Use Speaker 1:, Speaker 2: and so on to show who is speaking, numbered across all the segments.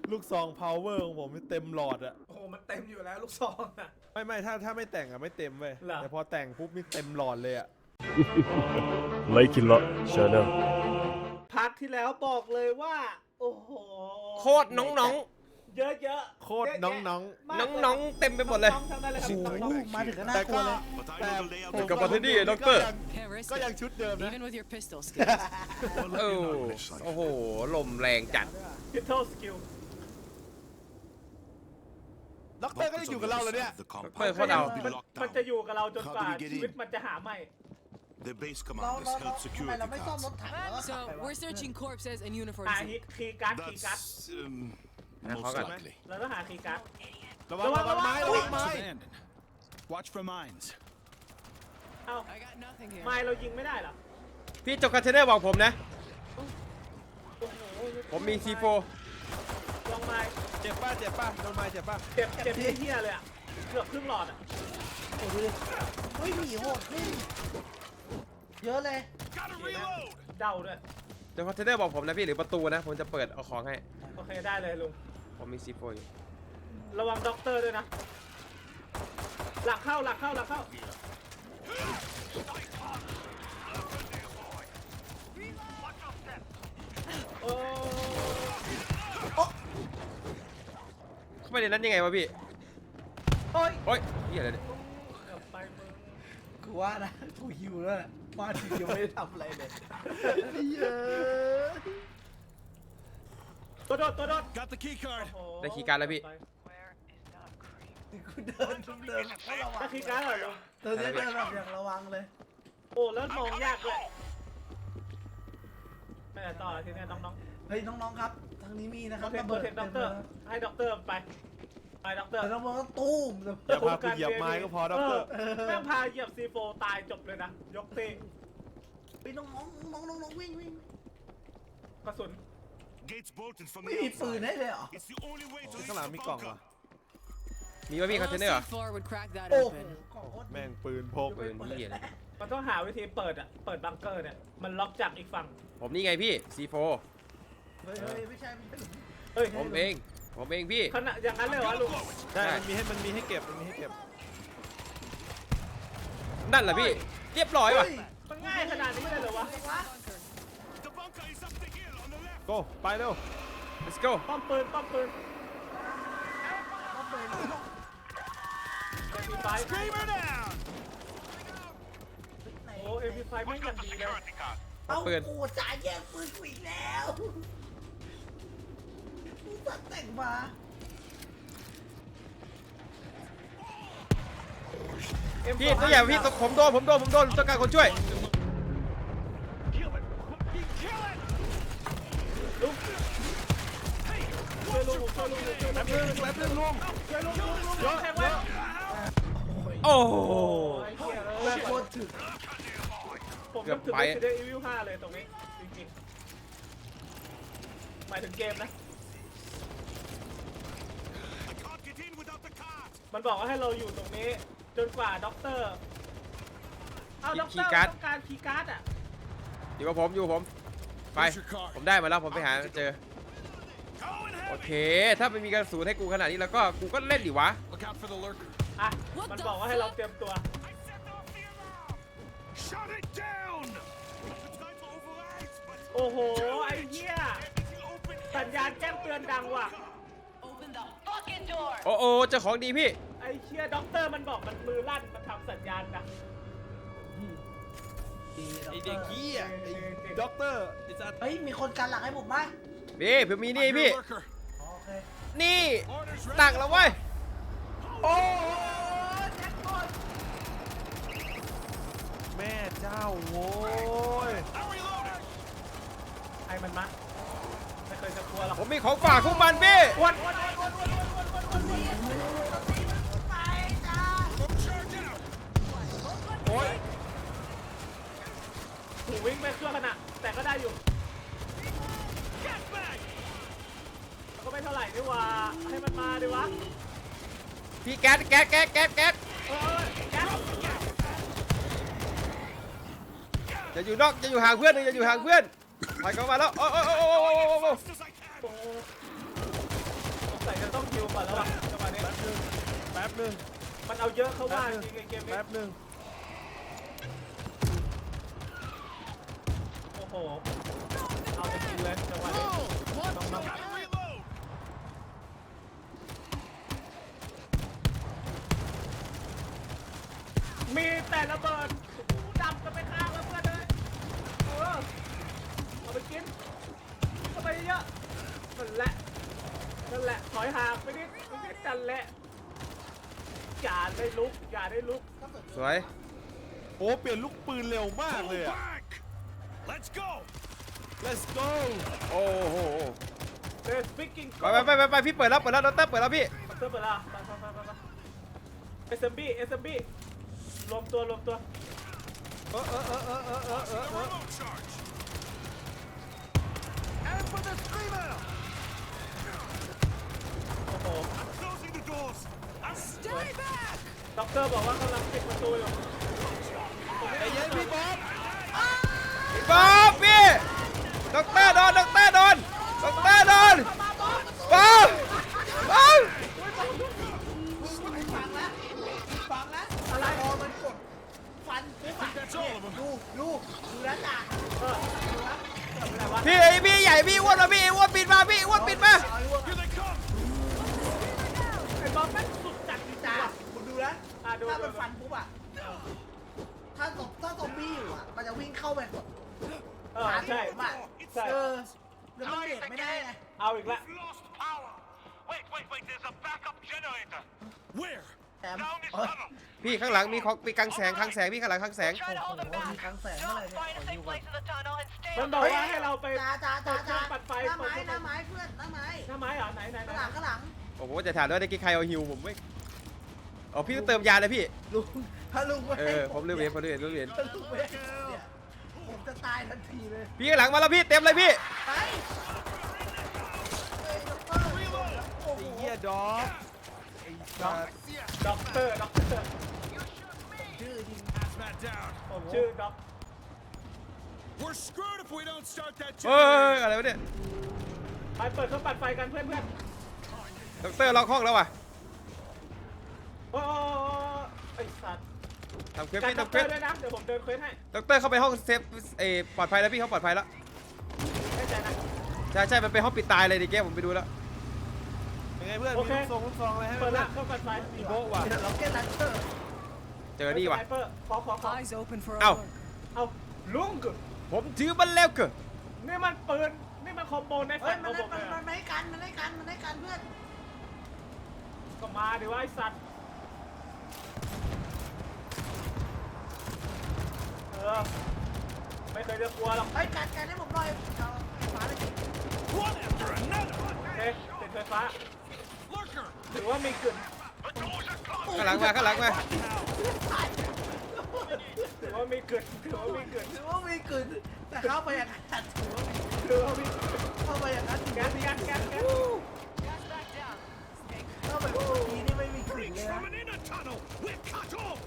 Speaker 1: ลูกซอง power ของผมเต็มหลอดอะ
Speaker 2: โอ้โหมันเต็มอยู่แล้วลูกซองอะ
Speaker 1: ไม่ถ้าไม่แต่งอะไม่เต็มเว้ย
Speaker 2: เหรอ
Speaker 1: แต่พอแต่งปุ๊บนี่เต็มหลอดเลยอะ
Speaker 3: ไลคิละชาแนล
Speaker 2: พาร์ทที่แล้วบอกเลยว่า โอ้โห
Speaker 4: โคตรน้อง
Speaker 2: เยอะๆ
Speaker 1: โคตรน้อง
Speaker 4: ๆน้องๆเต็มไปหมดเลย
Speaker 2: น้องๆทั้งนั้นเลยครับน้องๆ
Speaker 5: มาถึงก็
Speaker 1: ๆ
Speaker 5: น่ากลัวเลย
Speaker 1: แต่ผม
Speaker 4: กับประเทศนี้ด็อกเตอร์
Speaker 6: Can't risk
Speaker 1: ก็ยัง
Speaker 6: it,
Speaker 1: ชุดเดิมนะ
Speaker 6: even with your pistol skills.
Speaker 4: โอ้โหลมแรงจัด
Speaker 2: พิทเทิลสกิล
Speaker 1: ด็อกเตอร์ก็ยังอยู่กับเราเลยเนี่ย
Speaker 4: เปิดโคตรเอา
Speaker 2: มันจะอยู่กับเราจนกว่าชีวิตมันจะหาไม่
Speaker 7: The base
Speaker 5: เรา
Speaker 7: commanders held
Speaker 5: ทำไม
Speaker 7: security
Speaker 5: เราไม่ซ่อมรถ
Speaker 7: cards.
Speaker 5: ถังแล้วก็ขับ
Speaker 6: So
Speaker 5: ไปวะ
Speaker 6: we're searching corpses and uniforms.
Speaker 2: หาคีย์การ์ด
Speaker 7: That's most
Speaker 4: Hold on.
Speaker 7: likely.
Speaker 2: เราต้องหาคีย์การ์ด
Speaker 1: ระวังไม้ระวังไม้
Speaker 8: Watch for mines.
Speaker 2: เอ้า
Speaker 6: I got nothing here.
Speaker 2: ไม้เรายิงไม่ได้เหรอ
Speaker 4: พี่จบคอนเทนเนอร์บอกผมนะ
Speaker 2: โอ้โห
Speaker 4: ผมมี C4
Speaker 2: ลองไม้
Speaker 1: เจ็บป่ะโดนไม้เจ็บป่ะ
Speaker 2: เจ็บเหี้ยเลยอะเกือบครึ่งหลอดอะ
Speaker 5: โอ้ดูดิเฮ้ยหนีโหดนี่เยอะเลย
Speaker 2: เดาด้วย
Speaker 4: จบคอนเทนเนอร์บอกผมนะพี่หรือประตูนะผมจะเปิดเอาของให้
Speaker 2: โอเคได้เลยลุง
Speaker 4: ผมมี C4 อยู่
Speaker 2: ระวังด็อกเตอร์ด้วยนะ หลักเข้าโอ้
Speaker 4: เข้าไปในนั้นยังไงวะพี่
Speaker 2: โอ้ย
Speaker 4: โอ๊ยเหี้ยอะไรเนี่ย
Speaker 2: เกือบไปมึง
Speaker 5: กูว่านะกูหิวแล้วแหละมาถึงยังไม่ได้ทำอะไรเลยเยอะ
Speaker 2: ตัวโดด
Speaker 8: Got the key card.
Speaker 2: โอ้โห
Speaker 4: ได้คีย์การ์ดแล้วพี่
Speaker 5: กูเดินก็ระวั
Speaker 2: ได้
Speaker 5: ง
Speaker 2: คีย์การ์ดเหรอลุง
Speaker 5: เดินแบบอย่างระวังเลย
Speaker 2: โอ้แล้วมองยากด้วยไปไหนต่อทีนี้น้อง
Speaker 5: เฮ้ยน้องๆครับทางนี้มีนะ
Speaker 2: ๆ
Speaker 5: ครั
Speaker 2: โอบ เค
Speaker 5: ระ
Speaker 2: โปร
Speaker 5: เบิด
Speaker 2: เทคด็อกเตอร์ให้ด็อกเตอร์ไปด็อกเตอร์
Speaker 5: แต่ต้องบอกว่าตุ้ม
Speaker 1: อย่าพากูเหยียบไม้ก็พอด็อกเตอร์
Speaker 2: แม่งพาเหยียบซีโฟตายจบเลยนะ ยกตี
Speaker 5: ไปน้องวิ่ง
Speaker 2: กระสุน
Speaker 7: Gates bolted from
Speaker 5: ไม่
Speaker 7: the
Speaker 5: มีปืน
Speaker 7: outside.
Speaker 5: ให้เลยเหรอ
Speaker 7: It's the only way to reach
Speaker 1: ข้างหลัง
Speaker 7: the
Speaker 1: มีกล่อง
Speaker 7: bunker.
Speaker 1: ว่ะ
Speaker 4: มีวะพี่คอนเทนเนอร์เหรอ
Speaker 6: C4 would crack that
Speaker 5: โอ้โห
Speaker 6: open.
Speaker 5: ของโคตร
Speaker 1: แม่งปืนพก
Speaker 4: ปืนเหี้ยเลย
Speaker 2: มันต้องหาวิธีเปิดบังเกอร์เนี่ย มันล็อกจากอีกฝั่ง
Speaker 4: ผมนี่ไงพี่ C4
Speaker 5: เฮ้ยไม่ใช่
Speaker 2: เฮ้ย
Speaker 4: ผมเองพี่
Speaker 2: ขนาดอย่างนั้นเลยเหรอลุง
Speaker 1: ใช่มันมีให้เก็บ
Speaker 4: นั่นแหละพี่ เรียบร้อยว่ะ
Speaker 2: มันง่ายขนาดนี้เลยเหรอวะ
Speaker 7: The bunker is up the hill on the left.
Speaker 1: โก้ไปเร็ว
Speaker 4: let's go
Speaker 2: ป้อมปืนMP5
Speaker 7: Screamer down.
Speaker 2: โอ้ MP5 แม่งอย่างดีเลย
Speaker 5: เอ้า
Speaker 4: ปืน
Speaker 5: กูจ่ายแย่งปืนกูอีกแล้วกูตัดแต่งมา
Speaker 4: พี่ตัวอย่างพี่ผมโดนต้องการคนช่วย
Speaker 2: ช่วยลุงแป๊บนึงลุงยกแทงไว้
Speaker 4: โอ้โห
Speaker 2: ไอ้เหี้ย
Speaker 5: แม่งโคตรถึก
Speaker 2: ผมนึกถึง Resident Evil 5 เลยตรงนี้จริงๆหมายถึงเกมนะ
Speaker 7: I can't get in without the cart.
Speaker 2: มันบอกว่าให้เราอยู่ตรงนี้ จนกว่าด็อกเตอร์ เอาด็อกเตอร์
Speaker 4: คีย์การ์ด
Speaker 2: ต้องการคีย์การ์ดอ่ะ
Speaker 4: อยู่กับผมไปผมได้มาแล้วผมไปหาเจอ โอเค ถ้าไม่มีกระสุนให้กูขนาดนี้แล้วก็กูก็เล่นดิวะ
Speaker 8: Look out for the lurker.
Speaker 2: อ่ะ มันบอกว่าให้เราเตรียมตัว
Speaker 7: I set off the alarm. Shut it down. It's time for overrides, but
Speaker 2: โอ้โห ไอ้เหี้ย
Speaker 7: everything open.
Speaker 2: สัญญาณแจ้งเตือนดังว่ะ
Speaker 4: โอ้โอเจอของดีพี่
Speaker 2: ไอ้เชี่ยด็อกเตอร์มันบอกมันมือลั่น มันทำสัญญาณนะ
Speaker 1: ไอเด็กขี้อ่ะไอด็อกเตอร์ไอสัตว์
Speaker 5: เฮ้ยมีคนกันหลังให้ผมไหม
Speaker 4: พี่ผมมีนี่
Speaker 8: Your
Speaker 4: พี่
Speaker 8: lurker.
Speaker 5: โอเค
Speaker 4: นี่
Speaker 8: Orders ready.
Speaker 4: ตักแล้วเว้ย
Speaker 5: โอ้แจ็คพอต
Speaker 1: แม่เจ้าโว้ย
Speaker 7: I'm reloading.
Speaker 2: ไอ้มันมาไม่เคยจะกลัวหรอก
Speaker 4: ผมมีของฝากพวกมันพี่
Speaker 2: อ้วน
Speaker 5: ไปจ้า
Speaker 7: Charge out.
Speaker 1: โอ้ย
Speaker 2: ถูวิ่งไปเครื่องขนาดแต่ก็ได้อยู่
Speaker 7: Get back.
Speaker 2: มันก็ไม่เท่าไหร่นี่หว่า ให้มันมาดิวะ
Speaker 4: พี่แก๊ส
Speaker 2: เอ้ยแก๊ส
Speaker 4: จะอยู่นอกจะอยู่ห่างเพื่อนจะอยู่ห่างเพื่อนไปเข้ามาแล้วโอ้
Speaker 7: As I can.
Speaker 2: โอ้ฮิวก่อนแล้วจังหวะนี้
Speaker 1: แป๊บนึง
Speaker 2: มันเอาเยอะเข้าว่าจริงๆเกมนี้
Speaker 1: แป๊บนึง
Speaker 2: โอ้โหเอาไปกินเลยจังหวะนี้น้อง
Speaker 7: Gotta reload.
Speaker 2: ๆมีแต่ระเบิดดำกันไปข้างแล้วเพื่อนเลยเอาไปกินเข้าไปเยอะนั่นแหละถอยห่างไปนิดนั่นแหละอย่าได้ลุก
Speaker 4: สวย
Speaker 1: โอ้เปลี่ยนลูกปืนเร็วมากเลยอะ
Speaker 7: Back. Let's go.
Speaker 1: let's go
Speaker 4: โอ้โห
Speaker 2: เดสปิกกิ้ง
Speaker 4: ไปพี่เปิดแล้วดรเปิดแล้วพี่
Speaker 2: เติมไปละไปSMB รวมตัว
Speaker 7: Remote charge. And for the screamer.
Speaker 2: โอ้โห
Speaker 7: I'm closing the doors.
Speaker 6: Stay back!
Speaker 2: ด็อกเตอร์บอกว่ากำลังปิดประตูอยู่
Speaker 1: ไอ้เย็นพี่บ๊อบ
Speaker 4: พี่บ๊อบพี่ดรโดนดรโดนบ๊อบ
Speaker 5: ฟังนะอะไรพอมันกดฟันปุ๊บอะ
Speaker 7: That's all of them.
Speaker 5: ดูแล้วจ้ะ
Speaker 4: พี่ใหญ่พี่อ้วนมาพี่อ้วนปิดมาพี่อ้วนปิดมา
Speaker 7: Here they come.
Speaker 2: ไอ้บอมแม่งสุดจัดจริง
Speaker 5: จ้า
Speaker 2: ๆว่ะ
Speaker 5: คุณดูนะ
Speaker 2: ดู
Speaker 5: ถ้ามันฟันปุ๊บอะถ้าซอมบี้อยู่อะมันจะวิ่งเข้าไปกด
Speaker 2: ใช่
Speaker 5: ผมอะ
Speaker 2: ใช่
Speaker 5: แล้วมันเบรกไม่ได้ไง
Speaker 2: เอาอีกแล้ว
Speaker 7: We've lost power. Wait. There's a backup generator. Where?
Speaker 5: แถม
Speaker 7: Down this
Speaker 5: เอ้ย
Speaker 7: tunnel.
Speaker 4: พี่ข้างหลังมีของมีกังแสงพี่ข้างหลังกังแสง
Speaker 5: โอ้โหมีครั้งแสงเมื่อไหร่เนี่ย
Speaker 2: มันบอกว่าให้เราไป
Speaker 5: จ้า
Speaker 2: เปิดเครื่องปัดไฟ
Speaker 5: หน้า
Speaker 2: เปิด
Speaker 5: ไม้
Speaker 2: เครื่อง
Speaker 5: หน้าไม้เพื่อนหน้าไม้
Speaker 2: หน้าไม้เหรอไหน
Speaker 5: ข้างหลัง
Speaker 4: โอ้โหจะถามด้วยได้กี่ใครเอาฮิวผมไม่อ๋อพี่ต้องเติมยาเลยพี่
Speaker 5: ลุงถ้าลุงไม่ให้
Speaker 4: ผมลืมเห็น
Speaker 5: ถ้าลุงไม่ให้เนี่ยผมจะตายทันทีเลย
Speaker 4: พี่ข้างหลังมาแล้วพี่เต็มเลยพี่
Speaker 5: ไปโอ้โห
Speaker 1: ไอ้เหี้ยด็อกไอ้สัส
Speaker 2: ด็อกเตอร์
Speaker 5: ชื่อจริง
Speaker 7: Hazmat down.
Speaker 2: ผมชื่อด็อก
Speaker 8: We're screwed if we don't start that
Speaker 4: เฮ้ย
Speaker 8: generator.
Speaker 4: อะไรวะเนี่ย
Speaker 2: ไปเปิดเครื่องปัดไฟกันเพื่อน
Speaker 4: ดรล็อกห้องแล้วว่ะ
Speaker 2: ๆโอ้ไอ้สัตว์
Speaker 4: ทำเควส
Speaker 2: กัน
Speaker 4: พี่
Speaker 2: ด็อก
Speaker 4: ทำ
Speaker 2: เต
Speaker 4: เคว
Speaker 2: อ
Speaker 4: ส
Speaker 2: ร์ด้วยนะเดี๋ยวผมเดินเควสให้
Speaker 4: ดรเข้าไปห้องเซฟปลอดภัยแล้วพี่เขาปลอดภัยแล้ว
Speaker 2: ไม่ใจนะ
Speaker 4: ใช่มันเป็นห้องปิดตายเลยดิแกผมไปดูแล้ว
Speaker 1: เป็นไงเพื่อน
Speaker 2: โอ
Speaker 1: มี
Speaker 2: เค
Speaker 1: ลูกซองอะไรให้ไหม
Speaker 2: เปิด
Speaker 1: เพื่
Speaker 2: ละ
Speaker 1: อน
Speaker 2: เครื่องปัดไฟ
Speaker 1: มีโบ๊ะว่ะ
Speaker 5: เดี๋ยวเราเก็ตลันเตอร์
Speaker 4: เจอนี่ว่ะ
Speaker 2: สไนเปอร์ขอ
Speaker 6: Eyes open for
Speaker 4: Ow.
Speaker 6: our work.
Speaker 2: เอาลุง
Speaker 4: ผมถือมันแล้วเกิด
Speaker 2: นี่มันปืนนี่มันคอมโบใน
Speaker 5: เฮ้
Speaker 2: ฝั
Speaker 5: ย
Speaker 2: น
Speaker 5: มัน
Speaker 2: ของผมเลย
Speaker 5: ไม่กันเพื่อน
Speaker 2: ก็มาดิว่าไอ้สัตว์ไม่เคยจะกลัวหรอก
Speaker 5: เฮ้ยกันให้ผมหน่อยเอาฟ้าเลย
Speaker 7: One after another.
Speaker 2: เอ๊ะติดไฟฟ้า
Speaker 7: Lurker.
Speaker 2: ถือว่ามีกลิ่น
Speaker 7: The doors are closed.
Speaker 4: ข้างหลังมา
Speaker 2: ถือว่ามีกลิ่น
Speaker 5: ถือว่ามีกลิ่นแต่เข้าไปอย่างนั้น
Speaker 2: ถือว่ามีกลิ่น
Speaker 5: เข้าไปอย่างนั้น
Speaker 2: แก๊ส
Speaker 6: Gas back down.
Speaker 5: เข้าไปเมื่อกี้นี่ไม่มีกลิ่นเลยนะ
Speaker 7: From an inner tunnel. We're cut off.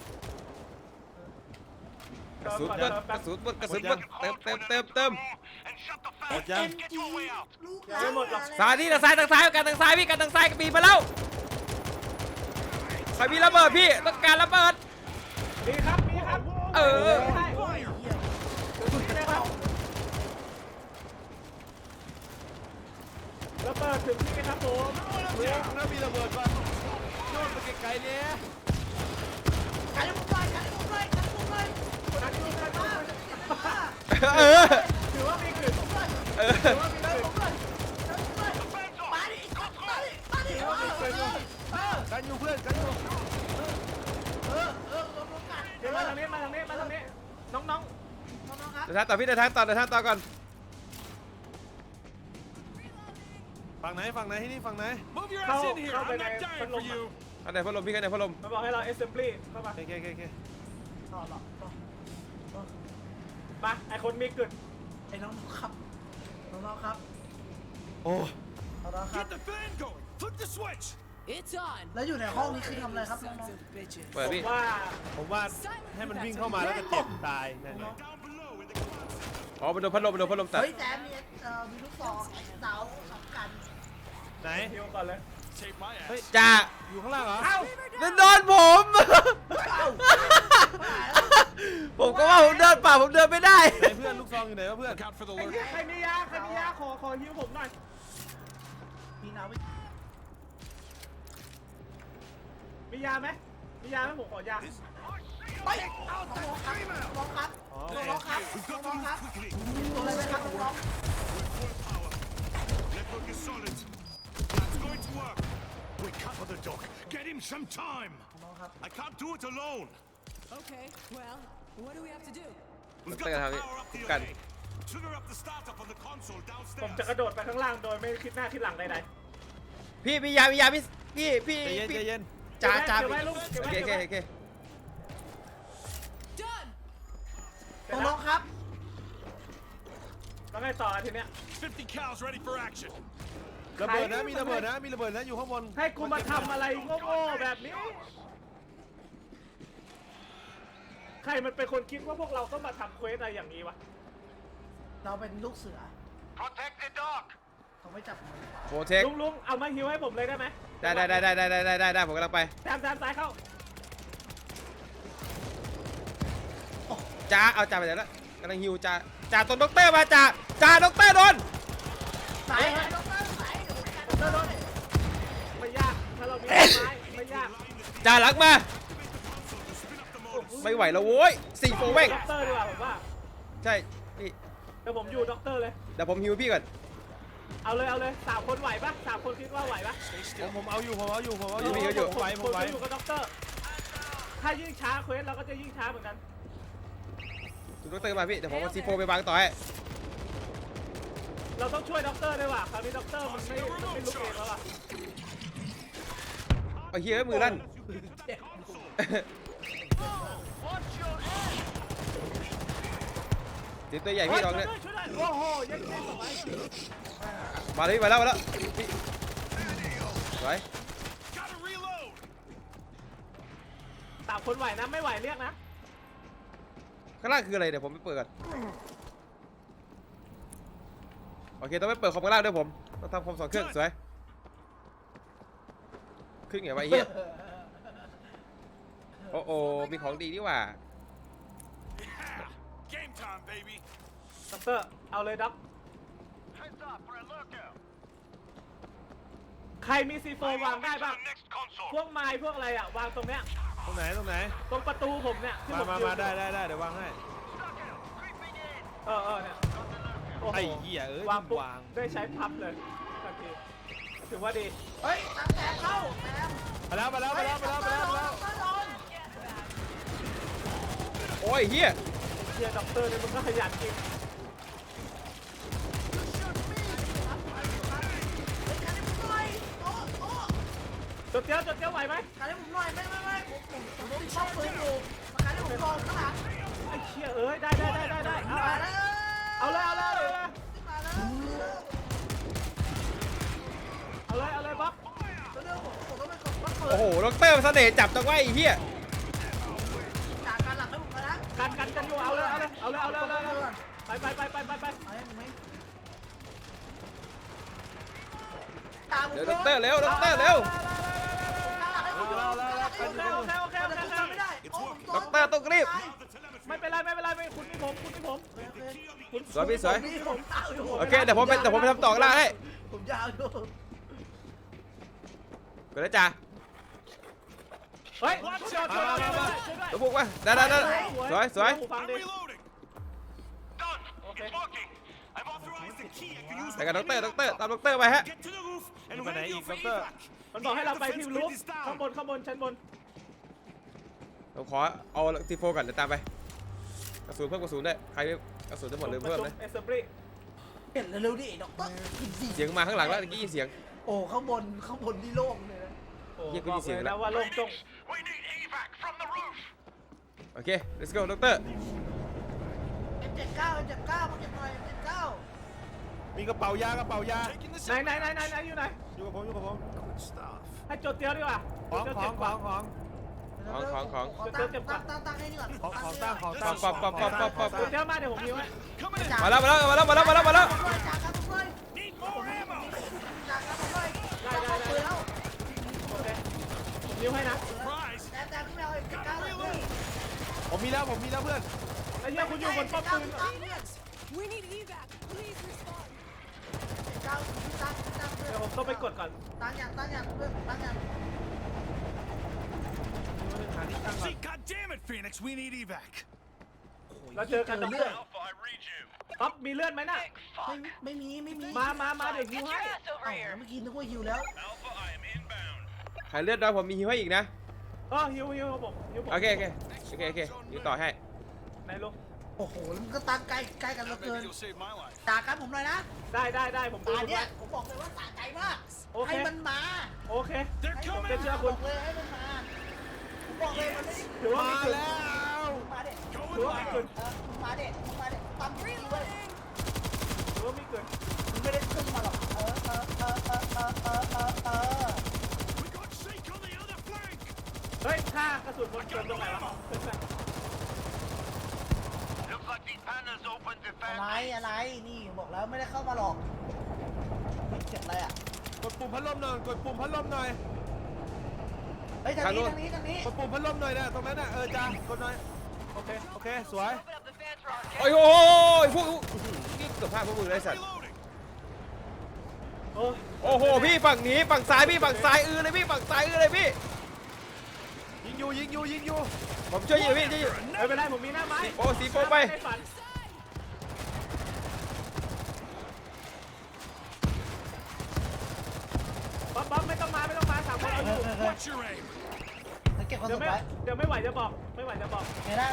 Speaker 4: กระสุนเบิดกระสุนเบิดเติม
Speaker 7: And shut the
Speaker 1: หมด
Speaker 7: fast.
Speaker 1: ยัง
Speaker 7: Get your way out.
Speaker 5: ลูก
Speaker 2: ไม่หมดหรอก
Speaker 4: ซ้ายนี่ทางซ้ายกันทางซ้ายพี่กันทางซ้ายปีมาแล้วใครมีระเบิดพี่ต้องการระเบิด
Speaker 2: มีครับ
Speaker 4: เออ
Speaker 2: ใช่
Speaker 5: โอ้ยเหี้ย
Speaker 2: นะครับระเบิดถึงที่ครับผม
Speaker 1: เฮ้ยแล้วมีระเบิดป่ะโยนไปไกลๆเนี่ย
Speaker 5: กันให้ผมหน่อย
Speaker 2: นักที่กัน
Speaker 4: เออ
Speaker 2: ถือว่ามีกลิ่น
Speaker 4: เออ
Speaker 5: มาดิ
Speaker 1: กันอยู่เพื่อนกันอยู่
Speaker 2: เดี๋ยวมาทางนี้น้อง
Speaker 4: เดินทางต่อพี่เดินทางต่อก่อน
Speaker 1: ฝั่งไหนที่นี่ฝั่งไหน
Speaker 8: Move your
Speaker 2: เข้า
Speaker 8: ass in here.
Speaker 2: เข้า
Speaker 8: I'm
Speaker 2: ไปใน
Speaker 8: not
Speaker 2: พัด
Speaker 8: dying
Speaker 2: ล
Speaker 8: for
Speaker 2: ม
Speaker 8: you.
Speaker 4: ข้างในพัดลมพี่ข้างในพัดลม
Speaker 2: มันบอกให้เรา assembly เข้ามา
Speaker 1: โอเค
Speaker 2: มาไอคนมีกลิ่น
Speaker 5: ไอ้น้องครับ
Speaker 1: โอ้
Speaker 5: น้องครับ
Speaker 8: Get the fan going. Flip the switch.
Speaker 6: It's on.
Speaker 5: แล้วอยู่ในห้องนี้คือทำอะไรครับน้อง
Speaker 6: Sons of bitches.
Speaker 4: เปิดพี่
Speaker 2: ว่า
Speaker 1: ผมว่าให้มันวิ่งเข้ามาแล้วก็เจ็บตายนั่นไง
Speaker 7: Down below in the closet.
Speaker 4: อ๋อมันโดนพัดลมตัด
Speaker 5: เฮ้ยแจมมีลูกศรเสาสำคัญ
Speaker 1: ไหน
Speaker 2: ฮิวก่อนเลย
Speaker 8: Save my ass.
Speaker 4: จ่า
Speaker 1: อยู่ข้างล่างเหรอ
Speaker 2: เอ้า
Speaker 4: นั่นโดนผม ผมก็ว่าผมเดินป่าผมเดินไม่ได้
Speaker 1: ไหนเพื่อนลูกซองอยู่ไหนวะเพื่อน
Speaker 8: Look out for the
Speaker 2: ไอ้
Speaker 8: lurk.
Speaker 2: เหี้ยใครมียาขอฮิวผมหน่อย
Speaker 5: มีน้ำไม่
Speaker 2: มียาไหมผมขอยา
Speaker 5: ไปเอาตัวครับน้องครับ
Speaker 1: อ๋อ
Speaker 5: น้องครับ
Speaker 7: We've got
Speaker 5: น้
Speaker 7: to
Speaker 5: อง
Speaker 7: move
Speaker 5: ครับ
Speaker 7: quickly.
Speaker 5: ตัวอะไรไหมครับน้อง
Speaker 7: Full power. Network is solid. That's going to work. We cover the dock. Get him some time.
Speaker 5: น้องครับ
Speaker 7: I can't do it alone.
Speaker 6: Okay, well, what do we have to do?
Speaker 7: We've
Speaker 4: Look
Speaker 7: got
Speaker 4: at how
Speaker 7: to
Speaker 4: it-
Speaker 7: power up the
Speaker 4: Gun.
Speaker 7: array. Trigger up the startup on the console
Speaker 2: ผมจะ
Speaker 7: downstairs.
Speaker 2: กระโดดไปข้างล่างโดยไม่คิดหน้าคิดหลังใด
Speaker 4: พี่มียาพี่
Speaker 1: ใจเย็นใจเย็น
Speaker 2: ๆ
Speaker 4: จ่า
Speaker 2: เก็บไว้ลูกเก็บ
Speaker 4: โอ
Speaker 2: ไว้
Speaker 4: เค
Speaker 2: เก็บไว้
Speaker 4: โอเค
Speaker 6: Done!
Speaker 5: น้องครับ
Speaker 2: แล้วไงต่อทีเนี้ย
Speaker 7: 50 cows ready for action.
Speaker 1: ระเบิดนะมีระเบิดนะมีระเบิดนะอยู่ข้างบน
Speaker 2: ให้กูมาทำอะไรโง่ๆแบบนี้ ใครมันเป็นคนคิดว่าพวกเราต้องมาทำเควสอะไรอย่างนี้วะ
Speaker 5: เราเป็นลูกเสือ
Speaker 7: Protect the dock.
Speaker 5: เขาไม่จับมือ
Speaker 4: โปรเทค
Speaker 2: ลุงเอามาฮิวให้ผมเลยได้ไหม
Speaker 4: ได้ผมกำลังไป
Speaker 2: แซมซ้ายเข้า
Speaker 4: จ่าเอาจ่าไปไหนแล้วกำลังฮิวจ่าตัวด็อกเตอร์มาจ่าด็อกเตอร์โดน
Speaker 5: สายน้องครับสาย
Speaker 2: ไม่ยากถ้าเรามีไม้ไม่ยาก
Speaker 4: จ่าหลังมา ไม่ไหวแล้วโว้ย4 โฟเว่ง
Speaker 2: ด็อกเตอร์ดีกว่าผมว่า
Speaker 4: ใช่พี่
Speaker 2: เดี๋ยวผมอยู่ด็อกเตอร์เลย
Speaker 4: เดี๋ยวผมฮิวพี่ก่อน
Speaker 2: เอาเลย3 คนไหวปะ3 คนคิดว่าไหวปะ
Speaker 1: ผมเอาอยู่
Speaker 2: ผมอยู่กับด็อกเตอร์ถ้ายิ่งช้าเควสเราก็จะยิ่งช้าเหมือนกัน
Speaker 4: ดูด็อกเตอร์มาพี่เดี๋ยวผมเอาซีโฟไปวางต่อให้
Speaker 2: เราต้องช่วยด็อกเตอร์ด้วยว่ะคราวนี้ด็อกเตอร์มันไม่ลุกเองแล้วอ่ะ
Speaker 4: เอาเฮียมือลั่น ตีตัวใหญ่พี่ลองเนี่ย
Speaker 2: ช่วยด้วยโอ้โหยังเก่งกว่าไว้
Speaker 4: มาแล้วพี่สวย
Speaker 7: Gotta reload.
Speaker 2: 3 คนไหวนะไม่ไหวเรียกนะ
Speaker 4: ข้างล่างคืออะไรเดี๋ยวผมไปเปิดก่อนโอเคต้องไปเปิดคอมข้างล่างด้วยผมต้องทำคอม2 เครื่องสวยขึ้นไงวะไอ้เฮียโอ้มีของดีนี่หว่า
Speaker 7: Game time, baby.
Speaker 2: ด็อกเตอร์เอาเลยด็อก
Speaker 7: Heads up for a lurkout.
Speaker 2: ใครมีซีโฟวางได้บ้าง
Speaker 7: Next console.
Speaker 2: พวกไม้พวกอะไรอ่ะวางตรงเนี้ย
Speaker 1: ตรงไหน
Speaker 2: ตรงประตูผมเนี่ยที่ผ
Speaker 1: มา
Speaker 2: ยืน
Speaker 1: ได้เดี๋ยววางให้
Speaker 2: เนี่ยโอ้โห
Speaker 1: ไอ้เหี้ยเอ้ยว
Speaker 2: างปุ๊บ
Speaker 1: วาง
Speaker 2: ได้ใช้พับเลยทันทีถือว่าดี
Speaker 5: เฮ้ยตั้งแต่เข้าแซม
Speaker 1: มาแล้ว
Speaker 5: โดน
Speaker 4: โอ้ยเฮีย
Speaker 2: เชียร์ด็อกเตอร์เนี่ยมึงก็ขยันจริง จดเตี้ยวไหวไหม
Speaker 5: การให้ผมหน่อยไม่ผมชอบปืนอยู่มาการให้ผมลองข้างหลัง
Speaker 2: ไอ้เชี่ยเอ้ยได้เอา
Speaker 5: มาแล้ว
Speaker 2: เอาเลย
Speaker 5: มาแล้ว
Speaker 2: บ๊อบ
Speaker 5: เร็วผมต้องไปกดว่าเปิด
Speaker 4: โอ้โหด็อกเตอร์เสน่ห์จับจังไว้ไอ้เฮีย
Speaker 5: จากการหลังให้ผมนะ
Speaker 2: กันอยู่เอาเลยไป
Speaker 5: ตาม
Speaker 4: เดี๋ยวด็อกเตอร์เร็วด็อกเตอร์เร็ว
Speaker 2: โอเค
Speaker 5: ไม่ได้
Speaker 4: ด็อกเตอร์ต้องรีบ
Speaker 2: ไม่เป็นไรคุณนี่ผม
Speaker 4: สวยพี่สวย
Speaker 5: ผมตายอยู่
Speaker 4: โอเคเดี๋ยวผมไปทำต่อข้างล่างให้
Speaker 5: ผมยาวอยู่
Speaker 4: ไปแล้วจ้า
Speaker 2: เฮ้ยช่วยด้วย
Speaker 4: ตัวบุกมาได้สวย
Speaker 2: ฟังดิ
Speaker 7: I'm reloading. Done. It's working. I've authorized the key. I can use
Speaker 4: แต่กับด็อกเตอร์ตามด็อกเตอร์ไปฮะ
Speaker 7: Get to the roof and
Speaker 1: Đi bên này,
Speaker 7: radio for
Speaker 1: doctor.
Speaker 7: evac.
Speaker 2: มันบอกให้เราไปที่รูฟข้างบนชั้นบน
Speaker 4: ผมขอเอาซีโฟก่อนเดี๋ยวตามไปกระสุนเพิ่มกระสุนได้ใครกระสุนจะหมดเลยเพิ่มเลย
Speaker 2: เอสเซอร์บรี
Speaker 5: เห็นเร็วดิด็อกเตอร์
Speaker 4: เสียงมาข้างหลังแล้วเมื่อกี้ยินเสียง
Speaker 5: โอ้ข้างบนที่โล่งเลยนะ
Speaker 4: เหี้ยกูยินเสียง
Speaker 2: บอก
Speaker 4: แล้
Speaker 2: แล้ว วว่าโล่งจง
Speaker 7: We need evac from the roof.
Speaker 4: โอเค let's go ด็อกเตอร์
Speaker 5: M79 ผมจะหน่อย M79
Speaker 1: มีกระเป๋ายา
Speaker 2: ไหนอยู่ไหน
Speaker 1: อยู่กับผม
Speaker 7: Good stuff.
Speaker 2: ให้จดเตี้ยวดีกว่า
Speaker 1: ของ
Speaker 2: ตั้งให้นี่ก่อน
Speaker 1: ของ
Speaker 2: จดเตี้ยวมาเดี๋ยวผมยิ้วให้
Speaker 7: Coming in.
Speaker 4: มาแล้ว
Speaker 5: จากการผมเลย
Speaker 7: Need more ammo.
Speaker 2: ได้นิ้วให้นะ
Speaker 8: Surprise!
Speaker 5: แต่ขึ้นมาเอาอีกก้าวเลยเพื่อน
Speaker 1: ผมมีแล้วเพื่อน
Speaker 2: ไอ้เหี้ยคุณอยู่บนป้อมปืน
Speaker 6: We need evac. Please respond.
Speaker 5: ก้าวตั้งเพื่อน
Speaker 2: เดี๋ยวผมต้องไปกดก่อน
Speaker 5: ตั้งอย่างเพื่อนตั้งอย่าง
Speaker 2: หาที่ตั้งก่อน
Speaker 7: See, God damn it, Phoenix, we need evac.
Speaker 2: เราเจอกัน
Speaker 5: เลือด
Speaker 2: ป๊อปมีเลือดไหมน่ะ
Speaker 5: ไม่มี
Speaker 2: มาเดี๋ยวฮิวให้
Speaker 5: เมื่อกี้นึกว่าหิวแล้ว
Speaker 4: หายเลือดน้อยผมมีฮิวให้อีกนะ
Speaker 2: ฮิวผมฮิวผม
Speaker 4: โอเคฮิวต่อให้
Speaker 2: ไหนลง
Speaker 5: โอ้โหมันก็ตั้งใกล้กันเหลือเกิน
Speaker 8: You'll save my life.
Speaker 5: ด่ากันผมหน่อยนะ
Speaker 2: ได้ผมดู
Speaker 5: ตา
Speaker 2: คุณ
Speaker 5: เนี่ย
Speaker 2: ไว้
Speaker 5: ผมบอกเลยว่าสะใจมาก
Speaker 2: โอเค
Speaker 5: ให้มันมา
Speaker 2: โอเค
Speaker 7: They're
Speaker 2: ผม
Speaker 7: coming!
Speaker 2: จะเชื่อ
Speaker 5: ผ
Speaker 2: คุณ
Speaker 5: มเลยให้มันมาผมบอกเลยมันไม่ได้
Speaker 2: ถือว่ามีจุด
Speaker 5: มาเด็ด
Speaker 2: ถือว่ามีจุด
Speaker 5: มาเด็ดปั๊มดีเว้ย
Speaker 2: ถือว่ามีจุด
Speaker 5: มันไม่ได้ขึ้นมาหรอก
Speaker 7: We got Sheik on the other flank!
Speaker 2: เฮ้ยค่ากระสุนบนเกินตรงไหนวะ
Speaker 7: Looks like these panels open
Speaker 5: อะไรนี่บอกแล้วไม่ได้เข้ามาหรอกเจ็บอะไรอ่ะ
Speaker 1: กดปุ่มพัดลมหน่อย
Speaker 5: เฮ้ยทางนี้
Speaker 1: กดปุ่มพัดลมหน่อยนะตรงนั้นน่ะจ้ากดหน่อยโอเคสวย
Speaker 4: โอ้ยพวกนี่เกือบพลาดพวกมึงเลยสัตว์
Speaker 7: Reloading!
Speaker 4: โอ้โหพี่ฝั่งนี้ฝั่งซ้ายพี่ฝั่งซ้ายเลยพี่ฝั่งซ้ายเลยพี่
Speaker 1: ยิงอยู่
Speaker 4: ผมช่วยอยู่พี่ช่วยอยู่
Speaker 2: ไม่เป็นไรผมมีหน้าไม้
Speaker 4: สีโปไป
Speaker 2: ในฝันป๊อปไม่ต้องมา3 คนเอาอยู่
Speaker 7: What's your aim?
Speaker 5: เก็บความ
Speaker 2: เดี๋
Speaker 5: สุ
Speaker 2: ยว
Speaker 5: ข
Speaker 2: ไม่
Speaker 5: ไว้
Speaker 2: ไหวจะบอก
Speaker 5: ได้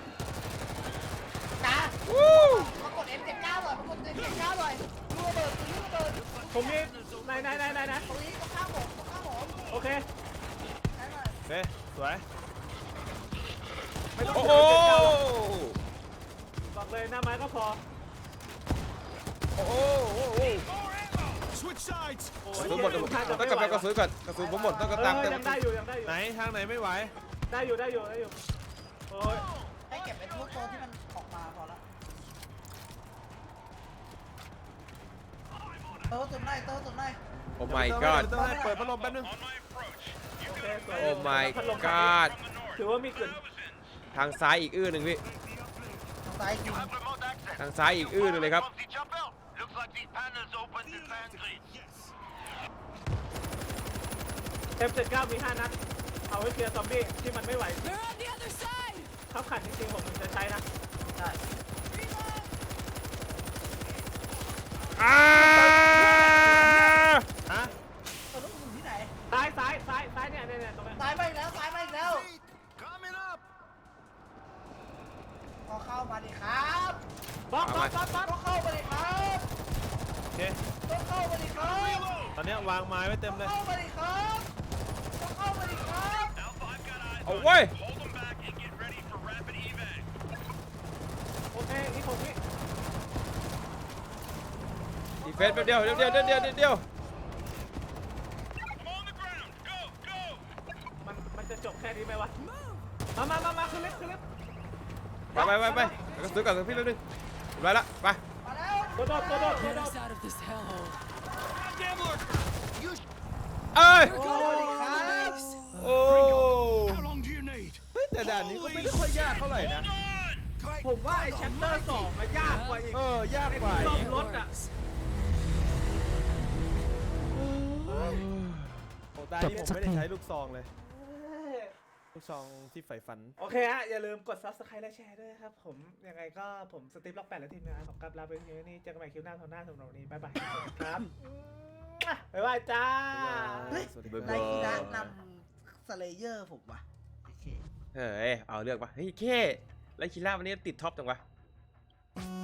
Speaker 5: ตา
Speaker 4: วู้
Speaker 5: มากด F79 หน่อยมากด F79 หน่อยลูกระเบิด
Speaker 2: ผมมีไหน
Speaker 5: ตรงนี้ก็ข้ามผม
Speaker 2: โอเค
Speaker 5: ได้หน่อย
Speaker 1: โอเคสวย
Speaker 4: โอ้โห
Speaker 2: บอกเลยหน้าไม้ก็พอ
Speaker 4: โอ้โห
Speaker 7: More ammo! Switch sides!
Speaker 4: กระสุนหมดต้องกลับไปกระสุนก่อนกระสุนผมหมดต้องกระตามเต็ม
Speaker 2: ยังได้อยู่
Speaker 1: ไหนทางไหนไม่ไหว
Speaker 2: ได้อยู่โอ้ย
Speaker 5: ให้เก็บเป็นทุกตัวที่มันออกมาพอละโต๊ะตุ่มไหน
Speaker 4: โอ้ my god
Speaker 1: ต้องให้เปิดพัดลมแป๊บนึง
Speaker 2: โอเคสวย
Speaker 4: โอ้ my
Speaker 2: พัดลม
Speaker 4: god
Speaker 2: ถือว่ามีกลิ่น
Speaker 4: ทางซ้ายอีกหนึ่งพี่
Speaker 5: ทางซ้ายกิน
Speaker 4: ทางซ้ายอีกหนึ่งเลยครับ
Speaker 7: Looks like these panels open defensively.
Speaker 2: F79 มี5 นัดเอาไว้เคลียร์ซอมบี้ที่มันไม่ไหว
Speaker 6: They're on the other side.
Speaker 2: ขับขันจริงๆผมจะใช้นะ
Speaker 5: ได้
Speaker 1: ฮะ
Speaker 5: ตัวลูกอยู่ที่ไหน
Speaker 2: ซ้ายเนี่ยตรงนี้
Speaker 5: ซ้ายมาอีกแล้ว
Speaker 7: Coming up!
Speaker 5: ก็เข้ามาดิครับ
Speaker 2: ป๊อป
Speaker 5: ก็เข้ามาดิครับ
Speaker 1: โอเค
Speaker 5: ก็เข้ามาดิครับ
Speaker 1: ตอนนี้วางไม้ไว้เต็มเลย
Speaker 5: เข้ามาดิครับก็เข้ามาดิครับ
Speaker 7: Alpha, I've got eyes.
Speaker 4: เอาเว้ย
Speaker 7: Hold them back and get ready for rapid evac.
Speaker 2: โอเคอีก6 วิ
Speaker 4: ดีเฟนส์แป๊บเดียว
Speaker 7: I'm on the ground. Go!
Speaker 2: มันจะจบแค่นี้ไหมวะมาขึ้นลิฟต์
Speaker 4: ไปกระสุนก่อนพี่แป๊บนึงไปละไป
Speaker 5: มาแล้ว
Speaker 2: โดด
Speaker 6: Get us out of this hellhole.
Speaker 7: Goddamn lurker!
Speaker 4: เอ้ย
Speaker 5: เข้ามาดิครับ
Speaker 4: โอ้
Speaker 7: How long do you need?
Speaker 1: เฮ้ยแต่ด่านนี้ก็ไม่ได้ค่อยยากเท่าไหร่นะ
Speaker 2: ผมว่าไอ้แชปเตอร์2มันยากกว่าอีก
Speaker 1: ยากกว่า
Speaker 2: ซ่อมรถอ่ะ
Speaker 1: โอ้ตาที่ผมไม่ได้ใช้ลูกซองเลย ลูกซองที่ใฝ่ฝัน
Speaker 2: โอเคฮะอย่าลืมกด subscribe และแชร์ด้วยครับผมยังไงก็ผมสตีฟล็อก8และทีมงานของกับลาไปที่นี่เจอกันใหม่คลิปหน้าสำหรับวันนี้บ๊ายบายครับบ๊ายบายจ้า
Speaker 5: เฮ้ย
Speaker 1: สวัสดี
Speaker 5: ไลคิระนำสเลเยอร์ผมว่ะโอเค
Speaker 4: เฮ้ยเอาเลือกปะเฮ้ยแค่ไลคิล่าวันนี้ติดท็อปจังวะ